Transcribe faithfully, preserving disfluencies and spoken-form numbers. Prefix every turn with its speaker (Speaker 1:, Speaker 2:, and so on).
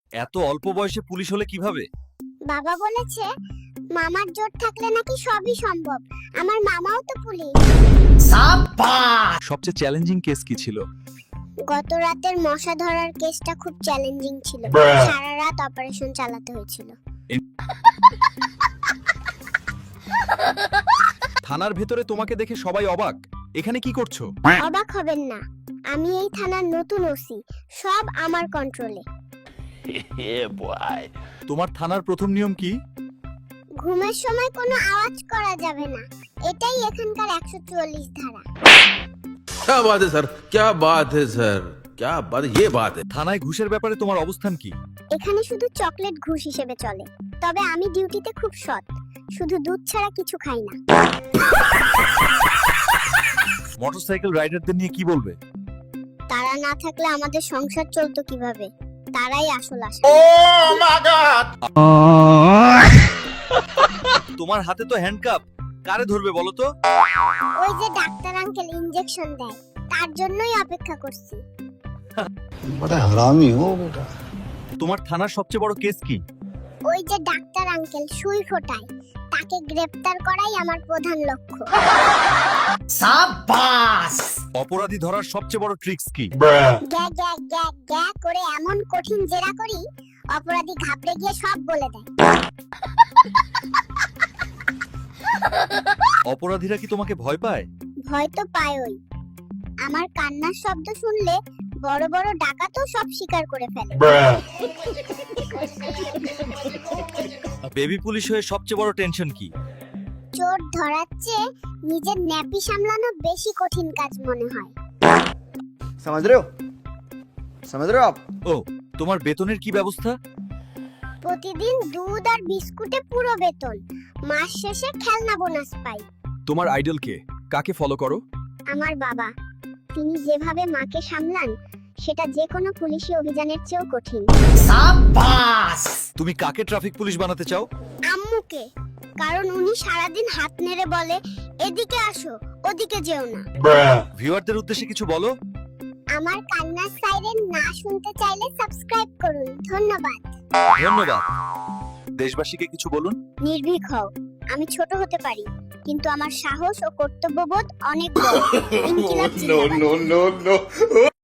Speaker 1: এত অল্প বয়সে পুলিশ হলে কিভাবে?
Speaker 2: বাবা বলেছে মামার জোর থাকলে নাকি সবই সম্ভব। আমার মামাও তো পুলিশ।
Speaker 1: সবচেয়ে চ্যালেঞ্জিং কেস কি ছিল?
Speaker 2: গত রাতের মশা ধরার কেসটা খুব চ্যালেঞ্জিং ছিল। সারা রাত অপারেশন চালাতে হয়েছিল।
Speaker 1: থানার ভেতরে তোমাকে দেখে সবাই অবাক। এখানে কি করছো?
Speaker 2: অবাক হবেন না, আমি এই থানার নতুন ওসি। সব আমার কন্ট্রোলে।
Speaker 1: তোমার থানার প্রথম নিয়ম কি?
Speaker 2: ঘুমের সময় কোনো আওয়াজ করা যাবে না, এটাই এখানকার একশো চুয়াল্লিশ ধারা।
Speaker 3: क्या बात है सर, क्या बात है सर, क्या बात, ये बात है।
Speaker 1: থানায় ঘুষের ব্যাপারে তোমার অবস্থান কি?
Speaker 2: এখানে শুধু চকলেট ঘুষ হিসেবে চলে। তবে আমি ডিউটিতে খুব সৎ, শুধু দুধ ছাড়া কিছু খাই না।
Speaker 1: মোটরসাইকেল রাইডারদের নিয়ে কি বলবে?
Speaker 2: তারা না থাকলে আমাদের সংসার চলতো কিভাবে? তারাই আসল আশা।
Speaker 1: তোমার হাতে তো হ্যান্ডকাপ, কারে ধরবে বলো তো?
Speaker 2: ওই যে ডাক্তার আঙ্কেল ইনজেকশন দেয়, তার জন্যই অপেক্ষা করছি।
Speaker 4: बड़ा हरामी हो बेटा।
Speaker 1: তোমার থানার সবচেয়ে বড় কেস কি?
Speaker 2: ওই যে ডাক্তার আঙ্কেল সুই ফোটায়, তাকে গ্রেফতার করাই আমার প্রধান লক্ষ্য।
Speaker 1: অপরাধী ধরার সবচেয়ে বড় ট্রিক্স কি?
Speaker 2: গ্যা গ্যা গ্যা গ্যা করে এমন কঠিন জেরা করি, অপরাধী ঘাবড়ে গিয়ে সব বলে দেয়।
Speaker 1: অপরাধীরা কি তোমাকে ভয় পায়?
Speaker 2: ভয় তো পায়ই। আমার কান্নার শব্দ শুনলে বড় বড় ডাকাতও সব স্বীকার করে ফেলে।
Speaker 1: বেবি পুলিশ হয়ে সবচেয়ে বড় টেনশন কি?
Speaker 2: চোর ধরার চেয়ে নিজের ন্যাপি সামলানো বেশি কঠিন কাজ মনে হয়।
Speaker 4: समझ रहे हो समझ रहे हो आप?
Speaker 1: ও, তোমার বেতনের কি ব্যবস্থা?
Speaker 2: প্রতিদিন দুধ আর বিস্কুটে পুরো বেতন, মাস শেষে খেলনা বোনাস পাই।
Speaker 1: তোমার আইডল কে? কাকে ফলো করো?
Speaker 2: আমার বাবা, তিনি যেভাবে মাকে সামলান সেটা যে কোনো পুলিশি অভিযানের চেয়েও কঠিন।
Speaker 1: তুমি কাকে ট্রাফিক পুলিশ বানাতে চাও?
Speaker 2: আম্মুকে, কারণ উনি সারাদিন হাত নেড়ে বলে এদিকে আসো ওদিকে যেও না।
Speaker 1: ভিউয়ারদের উদ্দেশ্যে কিছু বলো।
Speaker 2: আমার কান্নার সাইরেন না শুনতে চাইলে সাবস্ক্রাইব করুন। ধন্যবাদ।
Speaker 1: ধন্যবাদ। দেশবাসীকে কিছু বলুন।
Speaker 2: নির্ভীক হও, আমি ছোট হতে পারি, কিন্তু আমার সাহস ও কর্তব্যবোধ অনেক বড়। ইনকিলাব জিন্দাবাদ।
Speaker 3: no, no.